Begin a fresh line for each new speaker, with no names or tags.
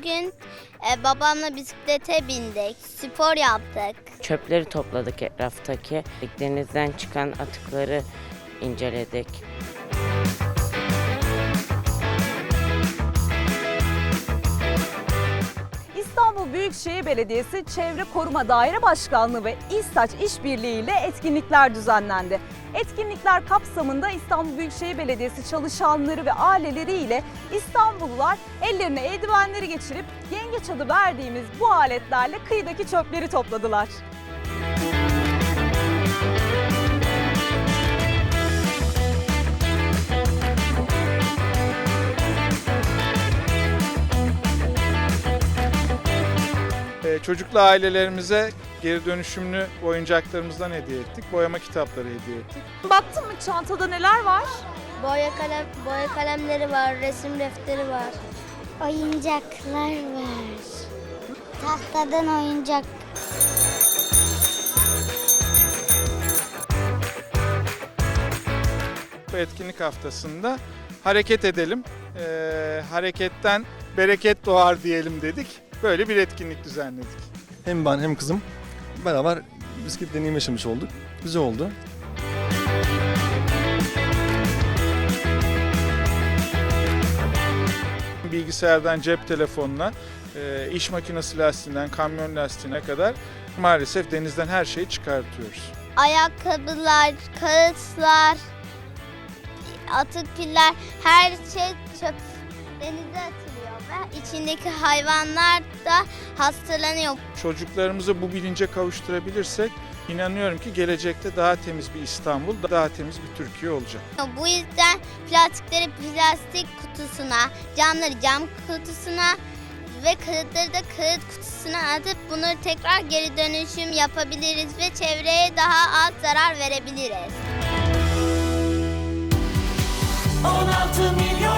Bugün babamla bisiklete bindik, spor yaptık.
Çöpleri topladık etraftaki. Denizden çıkan atıkları inceledik.
İstanbul Büyükşehir Belediyesi Çevre Koruma Daire Başkanlığı ve İSTAÇ işbirliği ile etkinlikler düzenlendi. Etkinlikler kapsamında İstanbul Büyükşehir Belediyesi çalışanları ve aileleri ile İstanbullular ellerine eldivenleri geçirip yengeç adı verdiğimiz bu aletlerle kıyıdaki çöpleri topladılar.
Çocuklu ailelerimize geri dönüşümlü oyuncaklarımızdan hediye ettik. Boyama kitapları hediye ettik.
Baktın mı çantada neler var?
Boya kalemleri var, resim defteri var.
Oyuncaklar var. Tahtadan oyuncak.
Bu etkinlik haftasında hareket edelim. Hareketten bereket doğar diyelim dedik. Böyle bir etkinlik düzenledik.
Hem ben hem kızım beraber bisiklet deneyim yaşamış olduk. Güzel oldu.
Bilgisayardan cep telefonuna, iş makinesi lastiğinden kamyon lastiğine kadar maalesef denizden her şeyi çıkartıyoruz.
Ayakkabılar, kağıtlar, atık piller, her şey çöp denize atılıyor ve içindeki hayvanlar da hastalanıyor.
Çocuklarımızı bu bilince kavuşturabilirsek inanıyorum ki gelecekte daha temiz bir İstanbul, daha temiz bir Türkiye olacak.
Bu yüzden plastikleri plastik kutusuna, camları cam kutusuna ve kağıtları da kağıt kutusuna atıp bunları tekrar geri dönüşüm yapabiliriz ve çevreye daha az zarar verebiliriz.
16 milyon